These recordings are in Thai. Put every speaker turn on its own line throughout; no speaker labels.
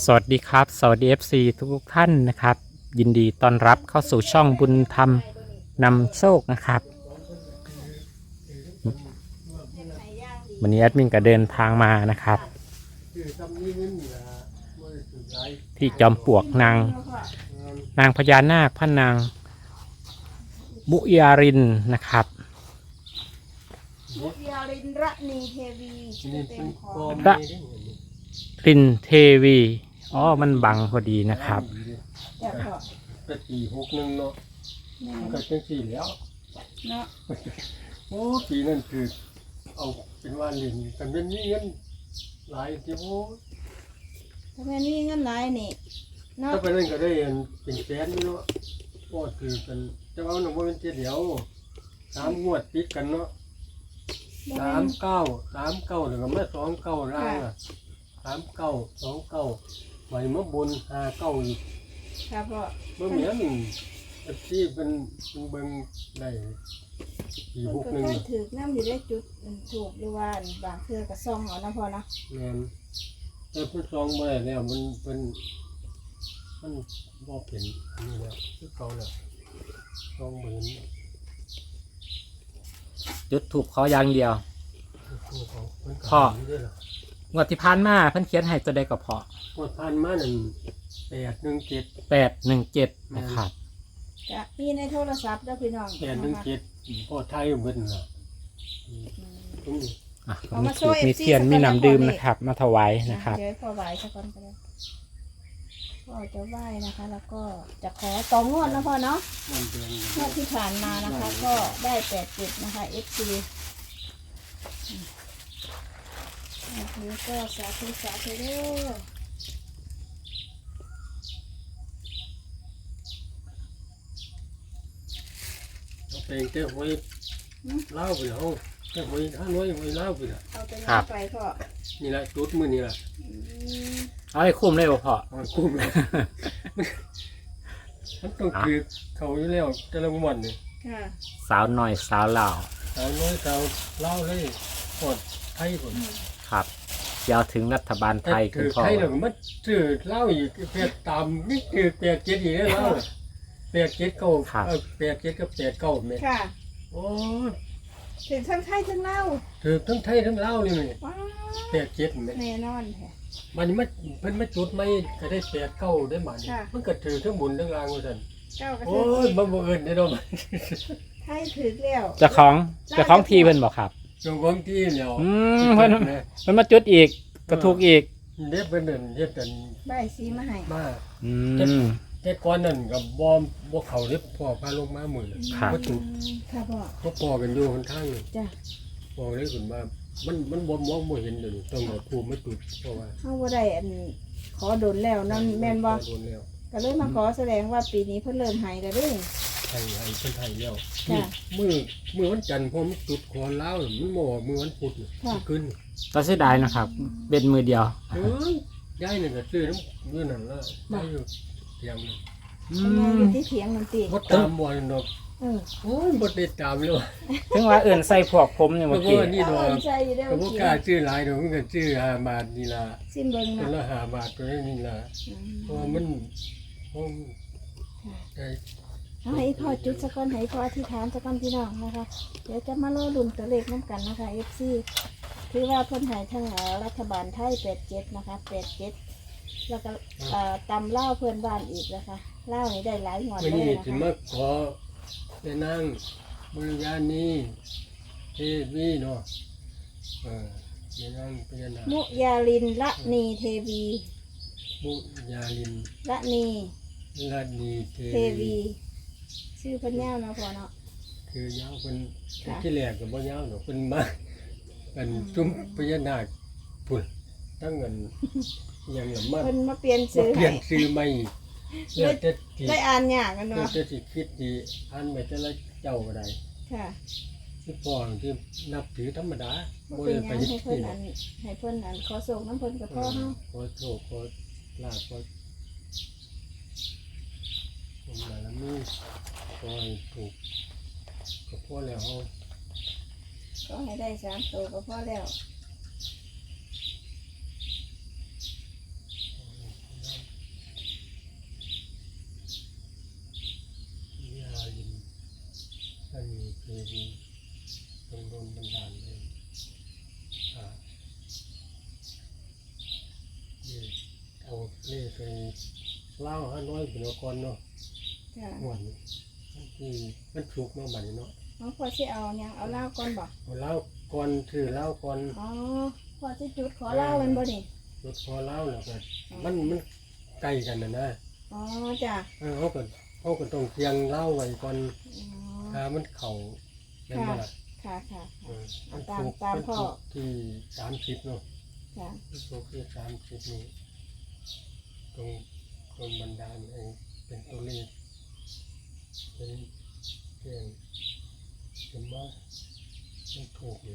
สวัสดีครับสวัสดี FC ทุกท่านนะครับยินดีต้อนรับเข้าสู่ช่องบุญธรรมนำโชคนะครับวันนี้แอดมินก็เดินทางมานะครับที่จอมปลวกนางพญานาคพระนางมุยารินนะครับ
มุยาลินระนีเทวีชื่อเต็มของ
พระรินเทวีอ๋อมันบังพอดีนะครับ
แต่ก็
ก็461เนาะ
แม่
มันก็จังสี่แล้ว
เนาะ
โอ้ปีนั้นคือเอาเป็นว่าเล่นกันเป็นมีเงินหลายที่โอ้
ถ้าแม่นี่เงินหลายนี่เนาะ
ถ้าไปนั่นก็ได้เป็นแสนอยู่เนาะก็คือกันแต่ว่ามันบ่เป็นเที่ยวเดียว3งวดติดกันเนาะ39แล้วก็มา29ล่างอ่ะ3929ไว้มาบน59อีก
ค่ะพ่อ
บ่เหมือนที่เป็นเบิ่งได้
มันก็ค่อยถือน้ำอยู่ได้จุดถูกหรือว่าบางเทื่อก็ซ่องเอานะพ่อเนาะ
แม่นแต่เพิ่นซองบ่ได้แล้วมันบ่เป็นอันนี้แล้วคือเก่าแล้วซองบ่เห็น
จุดถูกขออย่างเดียว
คือเขาเพิ่นก็
พ่อ
เห็นอยู่เด้อล่ะ
งวดที่ผ่านมาเพิ่นเขียนให้ตัวใดก็พอ
งวดผ่านมานั่น817
817นะครับ
จะมีในโทรศัพท์เด้อพี่น้องนะคะ
817พอไทยเบิ่นน่ะตรงนี้
อ่ะก็มีถูกมีเทียนมีน้ำดื่มนะครับ มาถวายนะครับ
เดี๋ยวพ่อไหว้สักก่อนก็ได้พ่อจะไหว้นะคะ แล้วก็จะขอต่องวดนะพ่อเนาะ
มันเป็น
งวดที่ผ่านมานะคะ ก็ได้87นะคะ FC แล้วก็สาธุเด้อ
เอาเพลงเต้หวยเล่าไปแล้วเต้หวยห้าน้อยหวยเล่าไปแล้ว
เอาไป
ครั
ย่า
บ
งไปพ่อ
นี่ล่ะจุดมื้อนี่ล่ะ
อืม
เอาให้คุ้มเลยบ่พอ
มันคุ้มแล้วมันต้องคือเขาอยู่แล้วแต่ละวันนี่
ค่ะ
สาวหน่อยสาวเหล่า
สาวน้อยสาวเล่าเลยกดไทยผม
ครับยาวถึงรัฐบาลไทยคุ
คื
ณ
อ
พ่อ
ไทยหนึ่งมันชื่อเล่าอีกเปียตามนี่คือเปียเจ็ดอีกแล้วเล่าเปียเจ็ดเก้าเปียเจ็ดกับเปียเก้าเมตร
ค่ะ
โอ้
ถึงทั้งไทยทั้งเล่าว
ถือทั้งไทยทั้งเล่าเลยมั้ย
ว้าว
เปียเจ็ดเมตร
แน่นอนแท้
มันเพิ่นมาจุดไม่ก็ได้เปียเก้าได้หมัน
ค่ะ
มันก็ถือทั้งบุญทั้งรางว่าซั่น
เจ้ากระ
โอ้
เทื
ยมันบ่เอิ้นได้ดอก
ไทยถือแล้ว
เจ้าของทีเพิ่นบอกครับ
จงของที่แล้ว
เพิ่นมาจุดอีกกระทุกอีก
เด็บเป็นนั่นเฮ็ดกัน
ใบสีมาให้
มา
อืม
แต่ก่อนนั่นก็บ่เข้าเด้พ่อพาลงมามื้อ
ครับ
บ่จุด
ค่ะพ่อ
ก็พอกันอยู่คนทางนี่
จ้ะ
บอกเลยคุณว่ามันบ่มองบ่เห็นเลยต้องเอาภูมิมาจุดเพราะว่า
เฮาบ่ได้อันขอโดนแล้วนั่นแม่นบ่
โดนแล้ว
ก็เลยมาขอแสดงว่าปีนี้เพิ่นเริ่มให้แล้วเด้อ
ให้เพิ่นให้แล้ว
จ้ะ
มื้อวันจันทร์พอมันจุดขอลาวน่ะมันบ่ออกมื้อวันพุธน่ะ
ค่ะ
ขึ้น
ก็เสียดายนะครับ เป็นมือเดียว
เอ้ยยายนี่ก็ซื้อน้ำมื้อนั้นละได้อยู่เตรียมเลย
อื
เพิ่นมาอ
ม
ยู่ที่เถียงนั่นติ
บ่ตามบ่ดอก
เออ
โอ้ยบ่ได้ตามเลยว่ะ
ถึงว่าเอื่นใส่พวกผมเนี่ย
เพ
เมื่อ
ราะ
กี้
ว่านี่ดอก
เอาใจอยู่เด้อ
ก็บ่
เมื่อกี้
กล้าซื้อหลายดอกมันก็ซื้อ5บาทนี่ล่ะ
สิ้นเบิ่ง
คน
เนาะ
ละ5บาทตัวนี้ล่ะ
อืม
เพราะว่ามันผม
ค่ะ
ได้
เอาให้พ่อจุดสักก้อนให้พ่ออธิษฐานสักก้อนพี่น้องนะคะ เดี๋ยวจะมารอลุ้นตัวเลขน้ำกันนะคะ FC คือว่าเพิ่นให้ทั้งรัฐบาลไทย87นะคะ87แล้วก็ตำเล่าวเพื่อนบ้านอีกนะคะเล่าวนี่ได้หลายงวด
วัน
เลย
นี้
นะ
ถึง
คะ
มาขอไปนั่งบริญาณนี้เทวีเนาะไปนั่งพญานาค
มุยาลินละนีเทวี
มุยาลิน
ละนี
ลาดนีเท
เท
วี
วี ชื่อเพิ่นยาวเนาะพ่อเนาะ
คือยาวเป็น
ค่ะ
ที่แรกกับบ่ยาวเนาะเป็นมาเป็นจุ้มพญานาคพุ่นตั้งเงินอย่างละมา
เพิ่นมาเปลี่ยน
มา
ชื่อ
เปลี่
ให้
ยนชื่อใหม่แล้วแต่ที่
ได้อ่านยากกัน
แล้ว
เนาะ
แต่ที่คิดดีอันไปแต่ละเจ้าก็ได้
ค่ะ
ที่พ่อที่นับถือธรรมดา
บ่
บ่
เป็น
ได้
ห
ไป
ยังให้
ที่
เพิ่น
ไหน
ให้เพิ่นขอส่งน้ำเพิ่นกับพ่อเฮา
ขอโชคขอลาภขอผมบารมีขอให้ถูกกับพ่อแล้วเฮา
ก็ให้ได้3ตัวก็พอแล้ว
ลไปเล่าห้าน้อยเป็นก่อนเนาะ
จ้ะ
ม่วนที่มันสุกเนาะบัดนี้เนาะ
น้องพ่อสิเอาหยังเอาเหล้าก่อนบ่
เอาเล่าก่อนถือเล่าก่อน
อ๋อพ่อสิจุดขอเหล้ามันบ่นี่
รถพอเล่าแล้วก็มันใกล้กันนะ
อ๋อจ้ะ
เขาก็ต้องเคียงเล่าไว้ก่อน
อ๋อ
ถ้ามันเข่าแม่นบ่ล่ะ
ค่ะค่ะ
มัน
ตาม
สุก
ตาม
มัน
พ่อ
สุกที่30เนาะ
จ้ะ
สุกที่30นี่ตรงบันดาลเองเป็นตัวเลขเป็นเพียงเป็นว่ามันถูกอยู่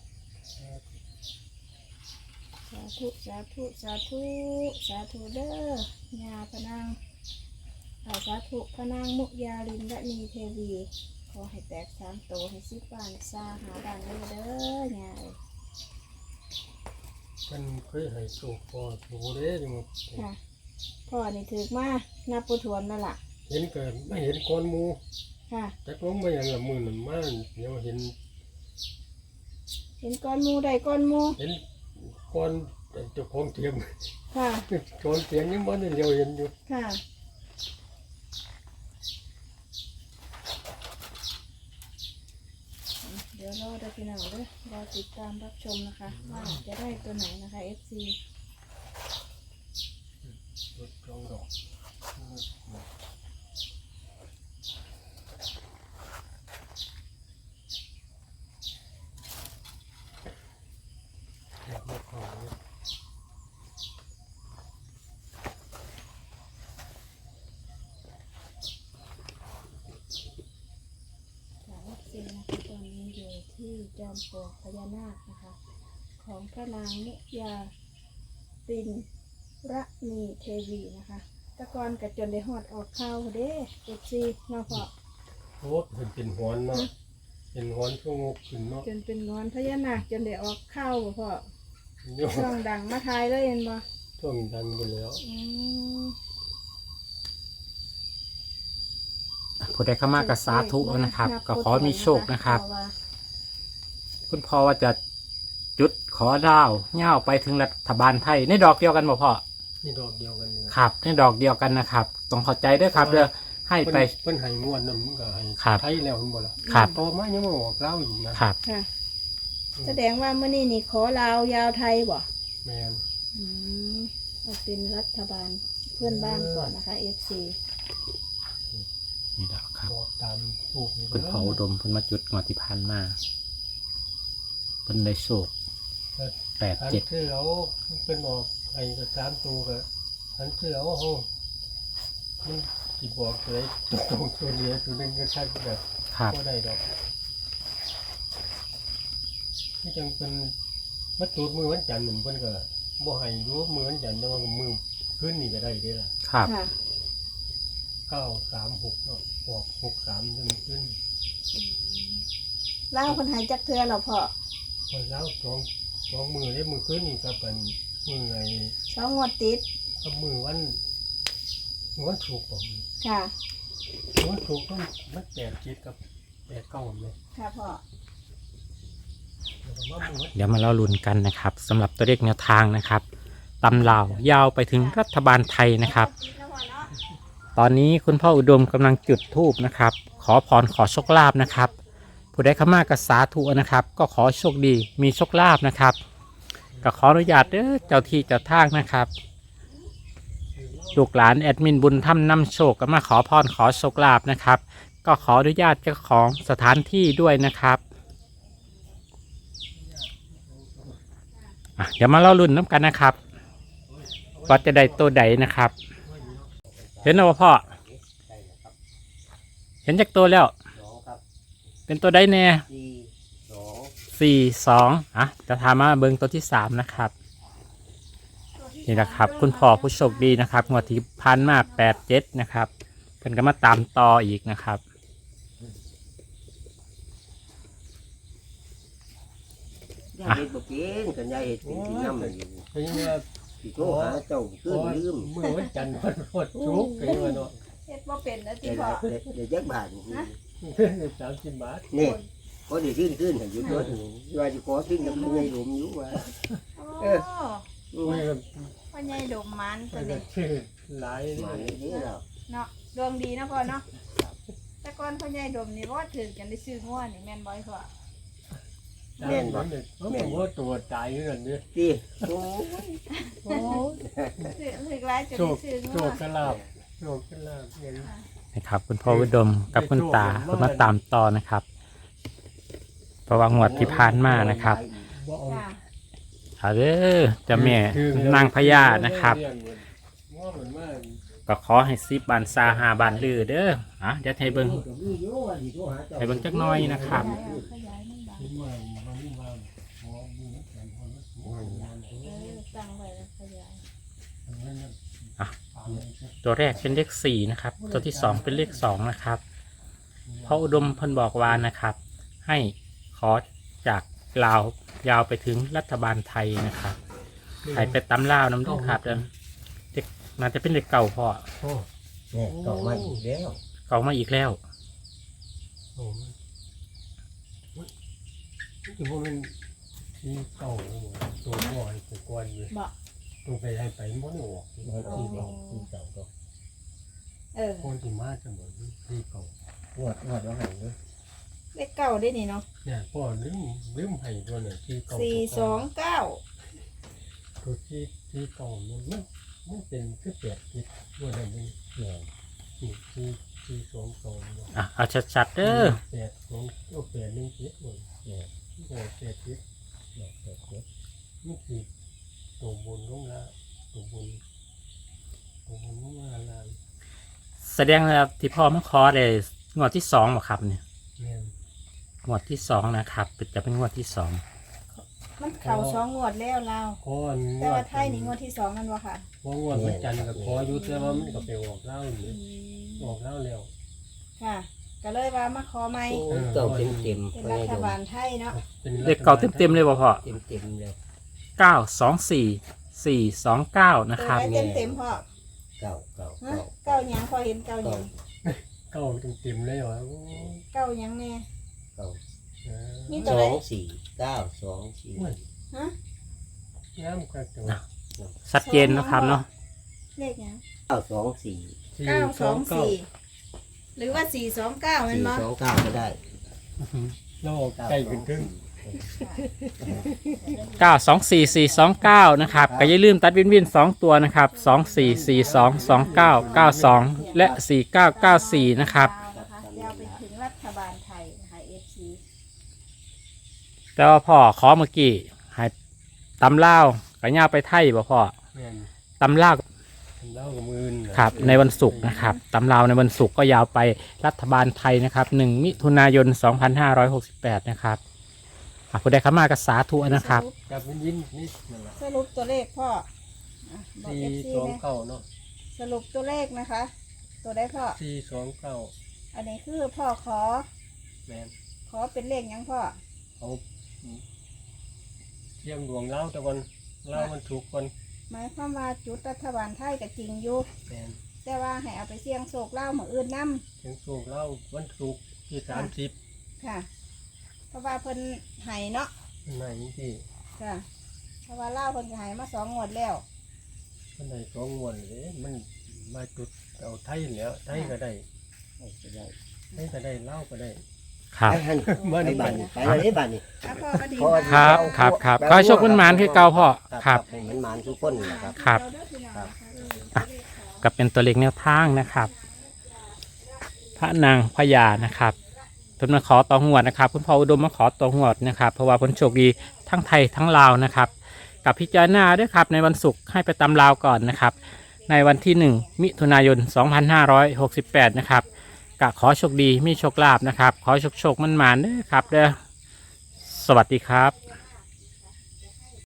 สาธุสาธุสาธุสาธุเด้อยาพนางสาธุพนางมุยาลินและนีเทวีขอให้แตก3 โตให้10 บ้านซาหาบ้านเลยเด้อยา
มันเคยให้โชคพอถูเด้จังว่า
ค่ะพ่อนี่ถือมานับปูถวนนั่นล่ะ
เห็นก็ไม่เห็นก้อนหมู
ค่ะ
แต่ผมไม่อย่างละมือนั่นมาเดี๋ยวเห็น
เห็นก้อนหมูได้ก้อนหมู
เห็นก้อนเจ้าของเตียง
ค่ะ
ก้อนเตียงยังมันเดียวเห็นอยู่
ค่ะเดี๋ยวรอได้พี่น้องเด้อรอติดตามรับชมนะคะว่าจะได้ตัวไหนนะคะ FC
รถกรองดอกอยากมาขอเนี่ย
จาก FC นะคะตอนนี้อยู่ที่จอมปลวกพญานาคนะคะ ของพระนางมุยาปินระนีเทวีนะคะแตะกอนกับจนได้หอดออกข้าวเด้ FC เนาะพ่อ
โอ้เป็นหอนเนาะเป็นหอนช่วงงกขึ้นเนาะ
จนเป็นงอนพญานาคจนได้ออกข้าวบ่พ่อ
โย
ช่องดังมาทายเลยเห็นบ่
ช่วงดังไปแล้ว
ผู้ใดเข้ามากับสาธุนะครับ ก็ขอมีโชคนะครับ คุณพ่อว่าจะจุดขอดาวเง่าไปถึงรัฐบาลไทยในดอกเดียวกันบ่พ่อ
นี่ดอกเดียวกันนี่นะครับ
ในดอกเดียวกันนะครับต้องเข้าใจด้วยครับเด้อให้ไป
เพิ่นให้งวดนำก็ให้
ครับ
ไทยแล้วเพิ่นบ่ล่ะ
ครับ
โตมายังมาบอกเล่าอยู่นะครับ
ค่ะ แสดงว่ามื้อนี้นี่ขอลาวยาวไทยบ่
แม่น
เอาเป็นรัฐบาลเพื่อนบ้านก่อนนะคะ FC
นี่ดอกครับ
บอกตามถูกนี่
คุณพ่ออุดมเพิ่นมาจุดงวดที่ผ่านมาเพิ่นได้โชค
อันที่เราเป็นออกไอ้ก็3ตัวก็อันที่เราเฮามันสิบอกเลยตรงตัวเดียวตัวนึงก็ใช่แบบ
ครับ
บ่ได้ดอกที่จังเป็นมาจุดมือวันจันทร์นั่นเพิ่นก็บ่ให้อยู่มือวันจันทร์แต่ว่ามือคืนนี้ก็ได้เด้ล่ะ
ครับ
ค่ะ
936เนาะออก63จังขึ้น
เล่าวคนหายจักเทือเหรอพ่อ
พอแล้วสองมือได้มือขึ้นนี่ก็เป็นมือไง
2 งวดติด
ก็มือวันถูกผม
ค่ะ
วันถูกต้องมัน8 7กับ8 9เลย
ค่ะพ่อ
แล้วก็มามือวัน
เดี๋ยวมาเล่าลุ้นกันนะครับสำหรับตัวเลขแนวทางนะครับตำราวยาวไปถึงรัฐบาลไทยนะครับ ตอนนี้คุณพ่ออุดมกำลังจุดธูปนะครับ ขอพรขอโชคลาภนะครับ ผู้ใดเข้ามากับสาธุนะครับ ก็ขอโชคดีมีโชคลาภนะครับก็ขออนุญาตเด้อเจ้าที่เจ้าทางนะครับลูกหลานแอดมินบุญถ้ำนำโชคก็มาขอพรขอโชคลาภนะครับ ก็ขออนุญาตเจ้าของสถานที่ด้วยนะครับเดี๋ยวมาเล่ารุ่นน้ำกันนะครับว่าจะได้ตัวใดนะครับ เห็นแล้วบ่พ่อ เห็นจากตัวแล้ว เป็นตัวใดแน่42จะถามมาเบิ้งตัวที่3นะครับ นี่แหละครับ คุณพ่อผู้โชคดีนะครับงวดที่พันมา87นะครับเพิ่นก็มาตามต่ออีกนะครับ
ยายเห็ดบ่เป็นกันยายเห็ดเป็นที่น้ำมันอยู่
เป็นว่า
สิโทรหาเจ้าขึ้นลืม
มือวันจันทร์วันถูกเป็นว่าเนาะ
เฮ็ดบ่เป็นนะที่
เดี๋ยว
พ่อ
เดี๋ยวจักบาท
30 บาท
นี่ก็ได้ขึ้นให้อยู่ตัวนึงว่าสิขอขึ้นกับยายหลมอยู่ว่า
โอ้
อืม
โอ้ย
พ่อใหญ่ดมมันตัว
มัน
นี้
ชื่อหลาย
มานี่แล้ว
เนาะดวงดีนะพ่อเนาะแต่ก่อนพ่อใหญ่ดมนี่ว่าถึงกันได้ซื้องัวนี่แม่นบ่อยพ่อ
แม่นบ่แม่นว่าตัวตายอยู่นั่นเด้อ
ที่โอ้
โอ้ถึงหลายจน
โช
ได้
ค
ซื้อ
โช
งัว
คกระลาบโชคกระลาบเห็น
นะครับคุณพ่ออุดมกับคุณตาก็มาตามต่อนะครับ เพราะว่างวดที่ผ่านมานะครับ
บ่เอา
จ้า
เอาเด้อเจะแม่นางพญานะครับ
ว่าเหมือนว่า
ก็ขอให้10 บานซา5 บานลือเด้อเดี๋ยวให้เบิ่งให้เบิ่งจักหน่อยนะครับ
ขยายมันบาง
คิดว่ามันว่าพอมีแขนพอแล้วโอ้ย
ตั้งไว้แล้วขยาย
ตัวแรกเป็นเลข4นะครับ ตัวที่2เป็นเลข2นะครับพ่ออุดมเพิ่นบอกว่านะครับ ให้ขอจากลาวยาวไปถึงรัฐบาลไทยนะครับให้ไปตำลาวน้ำเด้อครับเด้อเด็กน่าจะเป็นเลขเก่าพ่อ
โอ้
เนี่ยต่อมาอีกแล้ว
เก่ามาอีกแล้ว
โหถือว่ามันที่เก่าตัวบ่อยตัวกวนอยู่
บอก
ตัวไปให้ไปมันไม่ออก
มันที่เก่าที่เก่าก็
คนที่มาจะเหมือนที่เก่าง
วดแล้วหันด้วย
เลขเก้าได้นี่เนาะ
เนี่ยพ่อลืมให้ตัวเนี่ยที่เก่า
429
ตัวที่เก่ามันเป็นคือแปดทิศด้วยอะไรนี่
เนี่ย
ที่สองเก่าเนี่ย
เอาชัดๆเด้อ
แปดสองแปดหนึ่งทิศหมด
เนี่ย
โอ้แปดทิศ
เนี่ยเกิด
นี่คือตัวบนลงละตัวบนลงละลาน
แสดงว่าที่พ่อมาขอได้งวดที่2บ่ครับเนี่ย
เนี่ย
งวดที่2นะครับจะเป็นงวดที่2
มันเข่า2งวดแล้วเราว
ก้อน
แต่ว่าไทยนี่งวดที่2นั่นบ่ค่ะ
เพราะงวดวันจันทร์กับขอยุทธแล้วว่ามันก็ไปออกเล่าอยู่ออกเล่าแล้ว
ค่ะ ก็เลยว่ามาขอใหม่
เก่าเต็ม
เป็น
ไป
รัฐ
ดู
บาลไทยเนาะ
เลขเก่าเต็มๆเลยบ่พ่อ
เต็มเลย
924 429นะ
ตัว
ครับ
ไหนเต็มๆพ่อ
เก่า
ฮะเก้าหยังพอเห็นเก้าหยัง
เก้าเต็มเลยวะ
เก้าหยังแน่
เก่า
มี
2
ตัวไหน
4 9 2 4
ฮะ
น้ำกระจก
ชัดเจนนะครับเนาะ
เลขหยัง
9 2 4
924หรือว่า429แม่นบ่
4 2 9ก็ได้
เราออกใกล้ขึ้นขึ้น
924 429นะครับก็อย่าลืมตัดวิน2ตัวนะครับ2442 2992 และ 4994นะครับ
ยาวไปถึงรัฐบาลไทยนะคะ FC
แต่ว่าพ่อขอเมื่อกี้ให้ตำลาวก็ย่าไปไทยบ่พ่อ
แม่น
ตำลาว
เล่ากับมือ
ครับในวันศุกร์นะครับตำราวในวันศุกร์ก็ยาวไปรัฐบาลไทยนะครับ1 มิถุนายน 2568 นะครับผู้ใดเข้ามาก็สาธุนะครับ
กับยินนี่นั่นแหละ
สรุปตัวเลขพ่ออ่ะบอก
สี่
FC
สอง
นะ
เก้าเนาะ
สรุปตัวเลขนะคะ ตัวได้พ่อ
429
อันนี้คือพ่อขอ
แม่น
ขอเป็นเลขหยังพ่อ
เอาเทียมดวงเล่าแต่วันเล่ามันถูกคน
หมายความว่าจุดรัฐบาลไทยก็จริงอยู่
แม่น
แต่ว่าให้เอาไปเสี่ยงโศกเล่าเหมือนอื่นนํ
เทียงถูกเล่าวันถูกที่30
ค่ะ เพราะว่าเพิ่นให้เนาะ
ไหนที่
ค่ะเพราะว่าเล่าเพิ่นก็ให้มา2งวดแล้ว
มันได้สองงวดเลยมันมาจุดเอาไทยแล้วไทยก็ได้
ก็ได้
ไทยก็ได้เล่าก็ได้
ครับ
ไปหันไปบ้านนี่ไปเลยบ้านนี่
อ่ะพ่อก็ดี
พ่อ
มาก
ครับขอให้โชคคุณหมานคือเก่าพ่อครับ
ให้มันมานทุกคนนะครับ
ครับ
เราเด้อพี่น้อง
ครับ
ก็เป็นตัวเลขแนวทางนะครับ พระนางพญานะครับเพิ่นมาขอต่อหวดนะครับคุณพ่ออุดมมาขอต่อหวดนะครับ เพราะว่าผลโชคดีทั้งไทยทั้งลาวนะครับ กับพิจารณาด้วยครับในวันศุกร์ให้ไปตำลาวก่อนนะครับ ในวันที่ 1 มิถุนายน 2568 นะครับก็ขอโชคดีมีโชคลาภนะครับ ขอโชคมันหมานๆเด้อครับเด้อสวัสดีครับ